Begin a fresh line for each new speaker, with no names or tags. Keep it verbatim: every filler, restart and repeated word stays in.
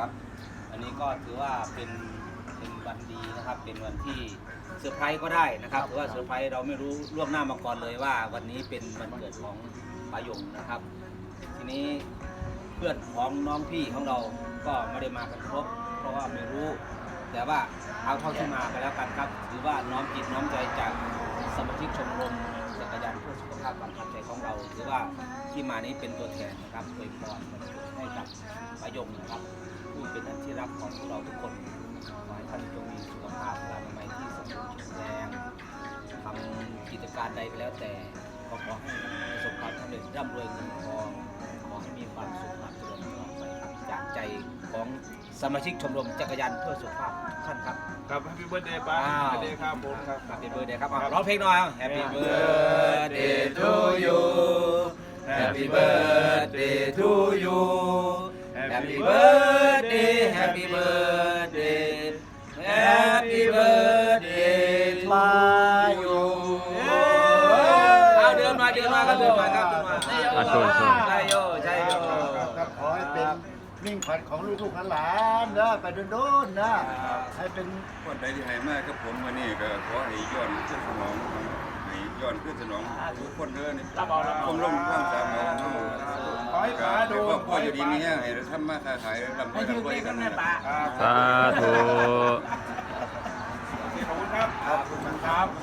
ครับอันนี้ก็ถือว่าเป็นเป็นวันดีนะครับเป็นวันที่เซอร์ไพรส์ก็ได้นะครับถือว่าเซอร์ไพรส์เราไม่รู้ล่วงหน้ามาก่อนเลยว่าวันนี้เป็นวันเกิดของปายงนะครับ ทีนี้เพื่อนของน้องพี่ของเราก็ไม่ได้มากันครบเพราะว่าไม่รู้แต่ว่าเอาเท่าที่มาไปแล้วกันครับถือว่าน้อมจิตน้อมใจจากสมาชิกชมรมจักรยานเพื่อสุขภาพบางคันใจของเราถือว่าที่มานี้เป็นตัวแทนนะครับอวยพรให้กับปายงนะครับผู้เป็นอันที่รักของพวกเราทุกคนขอให้ท่านจงมีสุขภาพร่างกายที่สมบูรณ์แข็งแรงทำกิจการใดก็แล้วแต่ก็ขอให้ประสบความสำเร็จร่ำรวยเงินทองขอให้มีความสุขความเจริญตลอดไปครับจากใจของสมาชิกชมรมจักรยานเพื่อสุขภาพทุกท่านครับ
ครับ Happy Birthday ป้า Birthday ครับผมครับ
Happy Birthday ครับร้องเพลงหน่อย Happy Birthday to you Happy Birthday to you Happy Birthday Happy Birthday Happy Birthday to you เอาเดินมาเดินมาครับเดินมาครับเดินมา
อ่ะโชว์โชว์
ใช่โยใช่โย
ครับขอให้เป็นมิ่งขวัญของลูกๆหลานๆนะไปโดนๆนะให้เป็น
คนใดที่ให้มากกับผมวันนี้ก็ขอให้ย้อนขึ้นสนองให้ย้อนขึ้นสนองทุกคนเด้อนี่คงลงความสามารถ
ขอให้ป้าดู
ก็พออยู่ดีนี้ให้เราทำมาค้าขายลำบากลำบากกันนะ
สาธุ
ขอบคุณครับ
ขอบคุณครับ